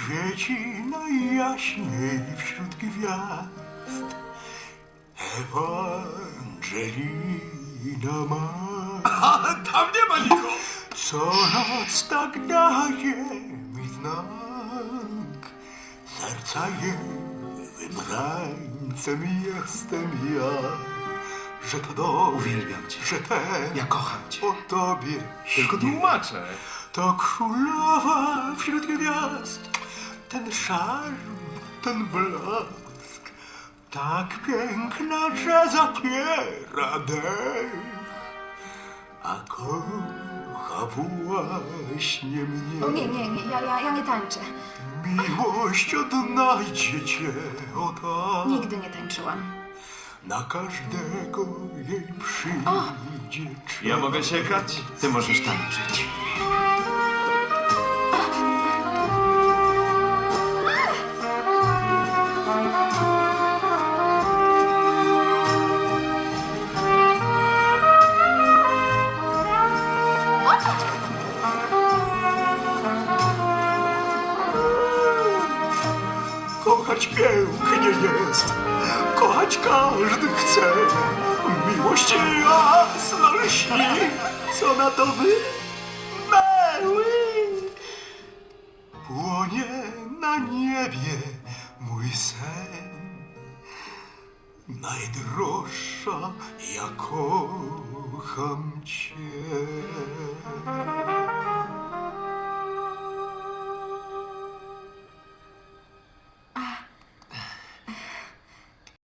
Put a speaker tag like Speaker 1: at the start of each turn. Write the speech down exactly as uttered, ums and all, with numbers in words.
Speaker 1: Świeci najjaśniej wśród gwiazd Ewangelina ma.
Speaker 2: A tam nie ma nikogo!
Speaker 1: Co noc tak daje mi znak, serca jej wybrańcem jestem ja. Że to dom,
Speaker 2: Uwielbiam cię.
Speaker 1: że ten,
Speaker 2: Ja kocham cię.
Speaker 1: o tobie
Speaker 2: Tylko
Speaker 1: śni.
Speaker 2: tłumaczę.
Speaker 1: To królowa wśród gwiazd, ten szarm, ten blask, tak piękna, że zapiera dech, a kocha właśnie mnie.
Speaker 3: O nie, nie, nie, ja, ja, ja nie tańczę.
Speaker 1: Miłość odnajdzie cię, o tak.
Speaker 3: Nigdy nie tańczyłam.
Speaker 1: Na każdego jej przyjdzie czas.
Speaker 2: Ja mogę siekać, ty możesz tańczyć.
Speaker 1: Kochać pięknie jest, kochać każdy chce. Miłość jasno lśni, co na to wy, mały. Płonie na niebie mój sen. Najdroższa, ja kocham cię.